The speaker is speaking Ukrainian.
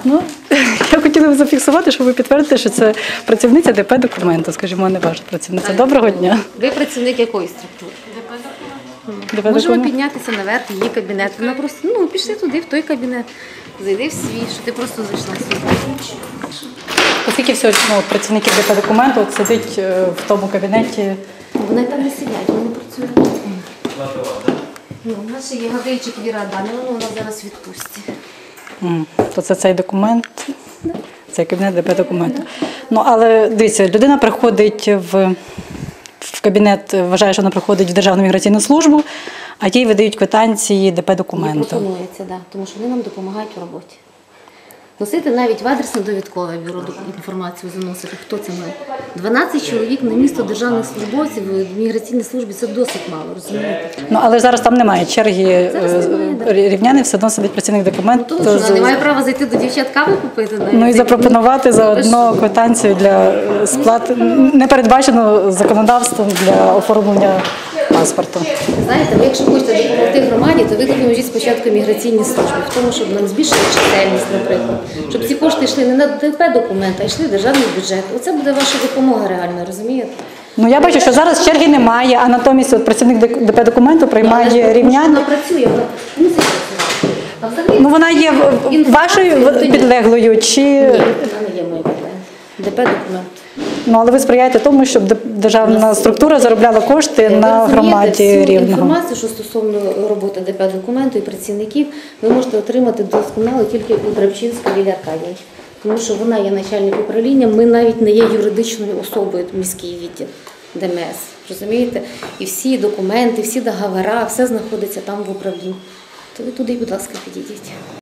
Ну, я хотіла б зафіксувати, щоб ви підтвердите, що це працівниця ДП «Документу», скажімо, а не ваша працівниця. Доброго дня. Ви працівник якої структури? ДП Можемо «Документ». піднятися наверх, її кабінет. Вона просто, пішли туди, в той кабінет, зайди в свій, що ти просто зайшла сюди. Оскільки всього працівників ДП «Документу» от сидить в тому кабінеті. Вони там не сидять, вони працюють. У нас ще є Гаврильчик Віра Адамівна, вона зараз в відпустці. То це цей документ, цей кабінет ДП «Документу». Ну, але дивіться, людина приходить в кабінет, вважає, що вона приходить в Державну міграційну службу, а їй видають квитанції ДП Їй «Документу». пропонується, да, тому що вони нам допомагають у роботі. Носити навіть в адресне-довідкове бюро інформацію заносити. Хто це має? 12 чоловік на місто державних службовців в міграційній службі – це досить мало, розумієте? Ну, але зараз там немає черги Зараз немає, да. рівняний, все одно сидить працівник «Документу». Тому що вона не має права зайти до дівчат каву купити. Навіть. Ну і запропонувати заодно квитанцію для сплати, не передбачено законодавством для оформлення паспорту. Знаєте, ви якщо хочете допомогти громаді, то ви допоможіть спочатку міграційній службі, в тому, щоб нам збільшили чисельність, наприклад. Щоб ці кошти йшли не на ДП «Документ», а йшли в державний бюджет. Оце буде ваша допомога реальна, розумієте? Ну я бачу, що зараз черги немає, а натомість от працівник ДП «Документу» приймає рівнян. Вона працює, вона мусить працювати. А взагалі, Ну вона є вашою підлеглою чи… ні, вона не є моєю підлеглою. ДП «Документ». Ну, але ви сприяєте тому, щоб державна структура заробляла кошти на громаді Рівного. Інформацію, що стосовно роботи ДП «Документу» і працівників, ви можете отримати досконало тільки у Драбчинській Лілії Аркадіївні. Тому що вона є начальник управління, ми навіть не є юридичною особою, міський відділ ДМС. Розумієте? І всі документи, всі договори, все знаходиться там в управлінні. То ви туди, будь ласка, підійдіть.